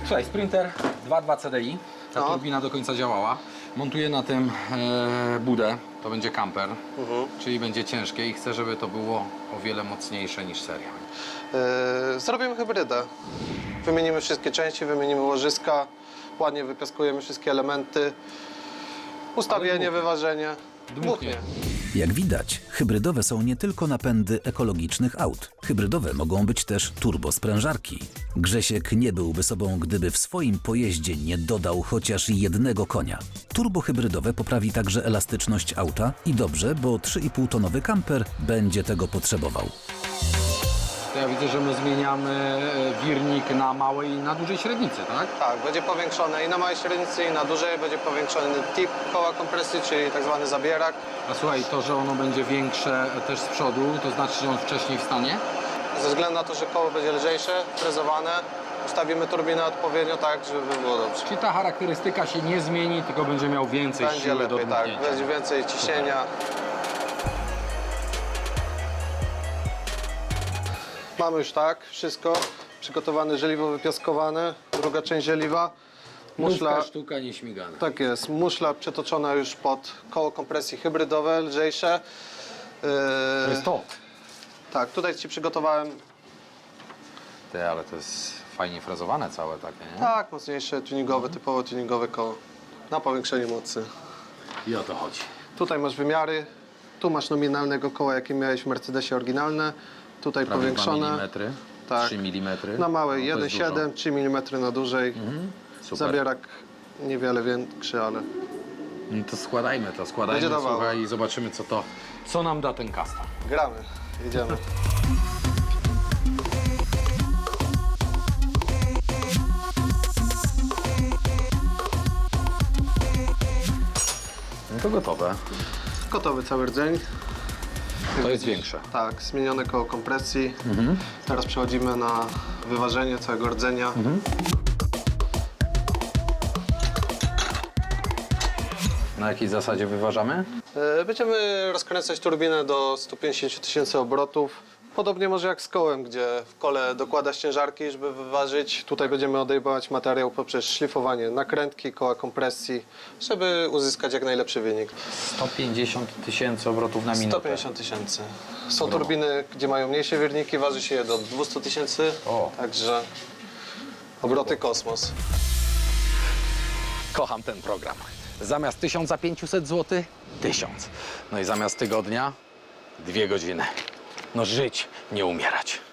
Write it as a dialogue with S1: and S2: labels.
S1: Słuchaj, Sprinter 2.2 CDI, ta turbina do końca działała. Montuję na tym budę, to będzie camper, czyli będzie ciężkie i chcę, żeby to było o wiele mocniejsze niż seria.
S2: Zrobimy hybrydę. Wymienimy wszystkie części, wymienimy łożyska, ładnie wypiaskujemy wszystkie elementy, ustawienie, wyważenie. Dmuchnie.
S3: Jak widać, hybrydowe są nie tylko napędy ekologicznych aut. Hybrydowe mogą być też turbosprężarki. Grzesiek nie byłby sobą, gdyby w swoim pojeździe nie dodał chociaż jednego konia. Turbohybrydowe poprawi także elastyczność auta i dobrze, bo 3,5-tonowy kamper będzie tego potrzebował.
S1: To ja widzę, że my zmieniamy wirnik na małej i na dużej średnicy, tak?
S2: Tak, będzie powiększone i na małej średnicy, i na dużej. Będzie powiększony tip koła kompresji, czyli tak zwany zabierak.
S1: A słuchaj, to, że ono będzie większe też z przodu, to znaczy, że on wcześniej wstanie?
S2: Ze względu na to, że koło będzie lżejsze, frezowane, ustawimy turbinę odpowiednio tak, żeby było dobrze.
S1: Czyli ta charakterystyka się nie zmieni, tylko będzie miał więcej
S2: Będzie
S1: siły do
S2: lepiej, tak,
S1: dmuchnięcia.
S2: będzie więcej ciśnienia. Mamy już tak, wszystko przygotowane, żeliwo wypiaskowane, druga część żeliwa.
S1: Muszla, sztuka nieśmigana.
S2: Tak jest, muszla przetoczona już pod koło kompresji hybrydowe, lżejsze.
S1: To jest to.
S2: Tak, tutaj Ci przygotowałem,
S1: Ale to jest fajnie frezowane całe takie, nie?
S2: tak, mocniejsze, tuningowe, typowo tuningowe koło na powiększenie mocy.
S1: I o to chodzi.
S2: Tutaj masz wymiary, tu masz nominalnego koła, jakie miałeś w Mercedesie oryginalne. Tutaj
S1: Prawie
S2: powiększone.
S1: 2 mm,
S2: Tak.
S1: 3 mm.
S2: Na małej
S1: No, to jest
S2: 1,7, 3 mm na dużej.
S1: Super.
S2: Zabierak niewiele większy, ale
S1: No to składajmy,
S2: Będzie dawało.
S1: słuchaj, i zobaczymy, co nam da ten custom.
S2: gramy, jedziemy.
S1: No to gotowe.
S2: Gotowy cały rdzeń.
S1: To jest większe.
S2: Tak, zmienione koło kompresji. Teraz przechodzimy na wyważenie całego rdzenia.
S1: Na jakiej zasadzie wyważamy?
S2: Będziemy rozkręcać turbinę do 150 000 obrotów. Podobnie może jak z kołem, gdzie w kole dokładasz ciężarki, żeby wyważyć. Tutaj będziemy odejmować materiał poprzez szlifowanie nakrętki, koła kompresji, żeby uzyskać jak najlepszy wynik.
S1: 150 000 obrotów na minutę.
S2: 150 000. Są turbiny, gdzie mają mniejsze wirniki, waży się je do 200 000,
S1: O.
S2: także obroty kosmos.
S1: Kocham ten program. Zamiast 1500 zł, 1000. No i zamiast tygodnia, 2 godziny. No żyć, nie umierać.